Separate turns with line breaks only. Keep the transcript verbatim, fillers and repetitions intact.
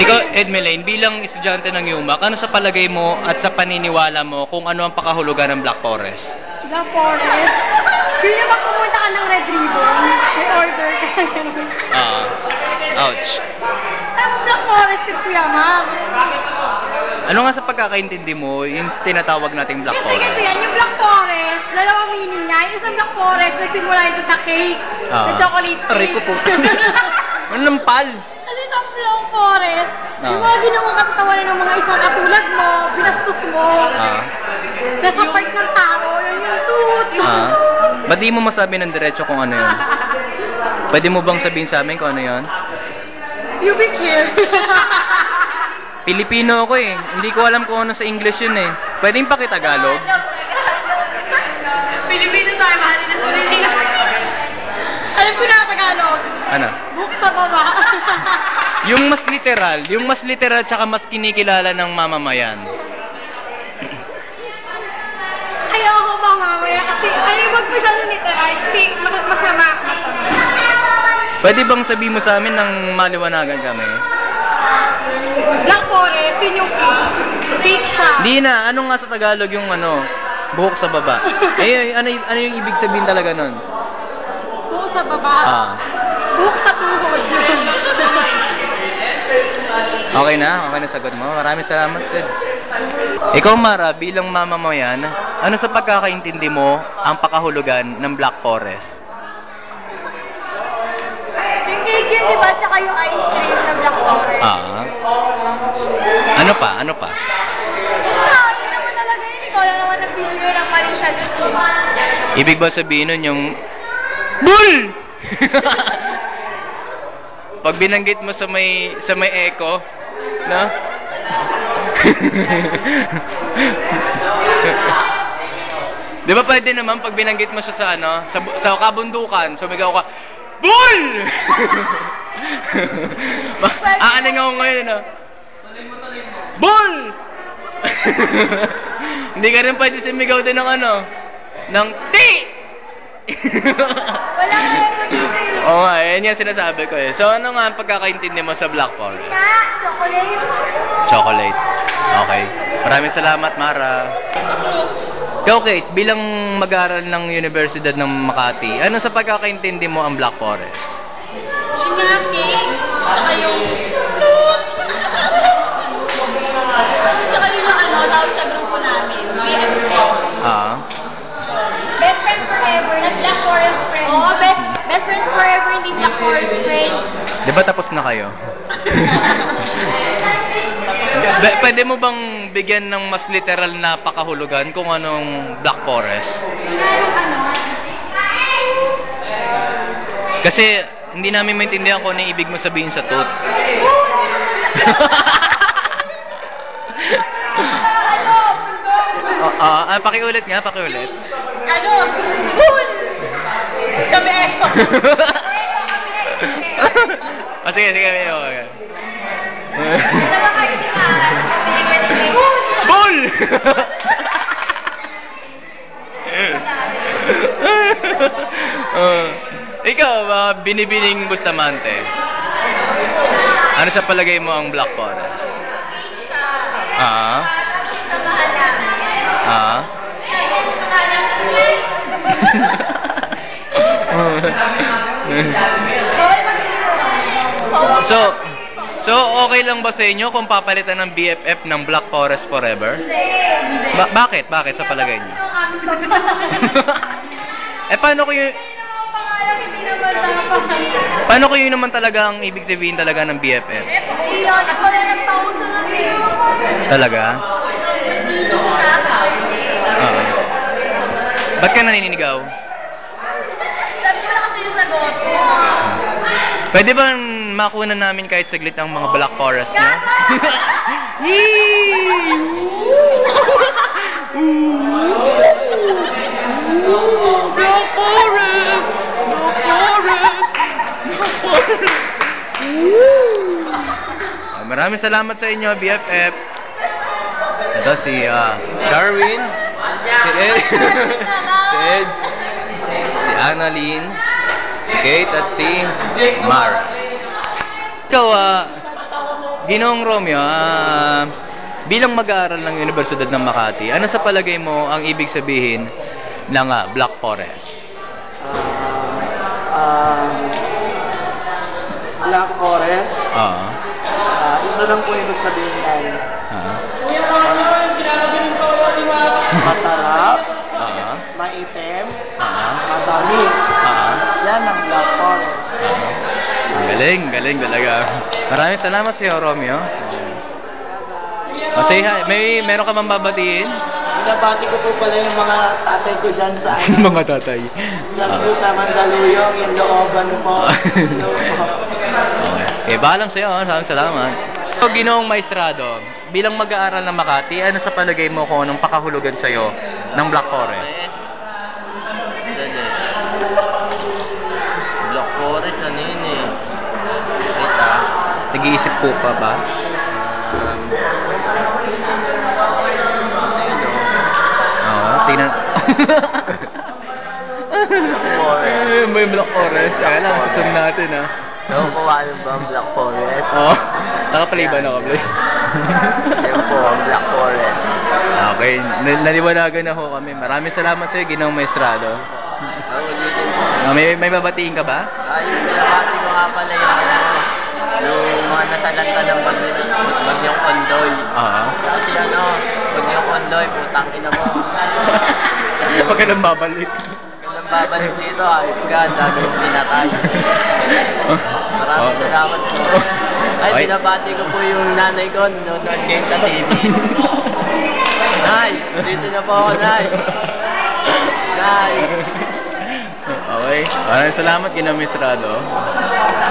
Ikaw, Edmeline, bilang estudyante ng UMAC, ano sa palagay mo at sa paniniwala mo kung ano ang pakahulugan ng Black Forest?
Black Forest? Yun yung pag pumunta ka ng Red Ribbon, may order ka.
Ah, ouch.
Ay, mo Black Forest si Kuya Ma'am.
Ano nga sa pagkakaintindi mo, yung tinatawag nating Black
Siyempre
Forest?
ganito yan, yung Black Forest, dalawang meaning niya. Yung isang Black Forest, nagsimula ito sa cake,
Ah.
sa chocolate cake.
Aray ko po. Ano nampal?
Kasi sa Black Forest,
Ah.
yung mga ginawang katatawanan ng mga isang katulad mo, binastos mo.
Ah.
Nasa part ng tao, yun yung tooth.
Ah. Ba't di mo masabi ng diretso kung ano yun? Pwede mo bang sabihin sa amin kung ano yun?
You be here.
Pilipino ako eh. Hindi ko alam kung ano sa English yun eh. Pwedeng pakitagalog?
Pilipino tayo, mahalin na sarili. Alam ko na Tagalog.
Ano?
Book sa baba.
Yung mas literal, yung mas literal tsaka mas kinikilala ng mamamayan.
Ayoko ba mamaya kasi ayaw wag masyado literal kasi mas- masama.
Pwede bang sabihin mo sa amin ng maliwanagan kami?
Black Forest, yun yung cake. Cake siya.
Di na, ano nga sa Tagalog yung ano, buhok sa baba. Eh, ano, y- ano yung ibig sabihin talaga nun?
Book sa baba.
Ah.
Book sa tuhod.
Okay na? Okay na sagot mo? Maraming salamat, Eds. Ikaw, Mara, bilang mamamayan, ano sa pagkakaintindi mo ang pakahulugan ng Black Forest?
Yung cake yun, di ba? Tsaka yung ice cream na Black Forest.
Ah. Ano pa? Ano pa?
Yun na, yun naman talaga yun. Ikaw lang naman nagbibigay ng mali siya dito.
Ibig ba sabihin nun yung Bull! Pag binanggit mo sa may sa may echo, no? Di ba pwede naman pag binanggit mo siya sa ano, sa, bu- sa kabundukan, sumigaw ka, Bull! Aaning ako ngayon, no? Bull! Hindi ka rin pwede sumigaw din ng ano, ng T!
Wala nga yung mag-isip.
Oo nga, yan yung sinasabi ko eh. So ano nga ang pagkakaintindi mo sa Black Forest?
Ka, chocolate.
Chocolate. Okay. Maraming salamat, Mara. Ikaw, Kate, bilang mag-aaral ng Universidad ng Makati, ano sa pagkakaintindi mo ang Black Forest?
Yung nga cake, tsaka yung fruit. Tsaka yung ano, tawag sa grupo namin, B F F.
Ah.
Best friends forever, not Black Forest friends. Oo, best, best friends forever, hindi Black Forest friends.
Di ba tapos na kayo? B- pwede mo bang bigyan ng mas literal na pakahulugan kung anong Black Forest?
Nga yung ano,
Kasi hindi namin maintindihan kung ano yung ibig mo sabihin sa tooth.
ano, bundok.
Ah, ah, ah, pakiulit nga, pakiulit.
Ano, cool. Kami eto.
Ah, sige, sige, sige. Okay.
Dalawa kayo ni Mara, sabi niya ganito.
Bull! uh, ikaw, uh, binibining Bustamante. Ano sa palagay mo ang Black Forest? Ah?
Sa mahal namin.
Ah? So, so okay lang ba sa inyo kung papalitan ng B F F ng Black Forest forever?
Hindi.
Ba- bakit? Bakit sa palagay niyo? Eh paano ko yung
Hindi naman ang pangalan, hindi naman dapat.
paano ko yun naman talaga ang ibig sabihin talaga ng B F F?
Iyon, ako na nagpauso nun eh.
Talaga?
Dito siya, pwede.
Oo. Ba't ka naninigaw?
Sabi ko lang kasi yung sagot ko.
Pwede ba makuha namin kahit saglit ang mga Black Forest niyo? Yee! Black Forest! Black Forest! Black Forest! Ah, maraming salamat sa inyo, B F F. Ito si ah, Sharwin, si Ed, si Eds, si Annalyn, si Kate at si Mara. Ikaw, ah, Ginoong Romeo, ah, bilang mag-aaral ng Universidad ng Makati, ano sa palagay mo ang ibig sabihin ng ah, Black Forest?
Ah, um, Black Forest,
Oo.
ah, isa lang po ibig sabihin yan.
Oo.
Masarap,
Oo.
maitim,
Oo.
matamis.
Oo.
Yan ang Black Forest.
Oo. Ang galing, galing talaga. Maraming salamat sa iyo, Romeo. O, say hi. May meron ka bang babatiin?
Nabati ko po pala yung mga tatay ko dyan sa ano.
Mga tatay.
Dyan
Ah.
po sa Mandaluyong, yung looban po. Hello po.
Okay. Okay, bahalam sa iyo. Maraming salamat. So, Ginoong Maestrado, bilang mag-aaral ng Makati, ano sa palagay mo kung anong pakahulugan sa iyo ng Black Forest?
Dali. Black Forest, ano yun eh? Kita.
Nag-iisip po pa ba?
Um, ano yun o?
Oo, tingnan. Eh, may Black Forest. Kaya lang, susunod natin ah.
Ewan ko ano ba ang Black Forest?
Oo. Nakaplay ba? Nakaplay?
Ewan ko ang Black Forest.
Okay, N- naliwanagan na ho kami. Maraming salamat sa iyo, Ginoong Maestrado.
Ako dito.
Ah, may, may babatiin ka ba?
Ah, yung binabati ko nga pala yung ano, yung mga nasalanta ng bagyo, bagyong Ondoy.
Oo.
Kasi ano, bagyong Ondoy, putang ina mo.
Huwag ka nang babalik.
Kailan babalik dito, ayun ka, ang dami yung pinatay. Maraming salamat po. Ay,
Okay.
binabati ko po yung nanay ko, nanonood ngayon sa T V. Nay, dito na po ako, Nay. Nay.
Okay. Maraming salamat, Ginoong Maestrado.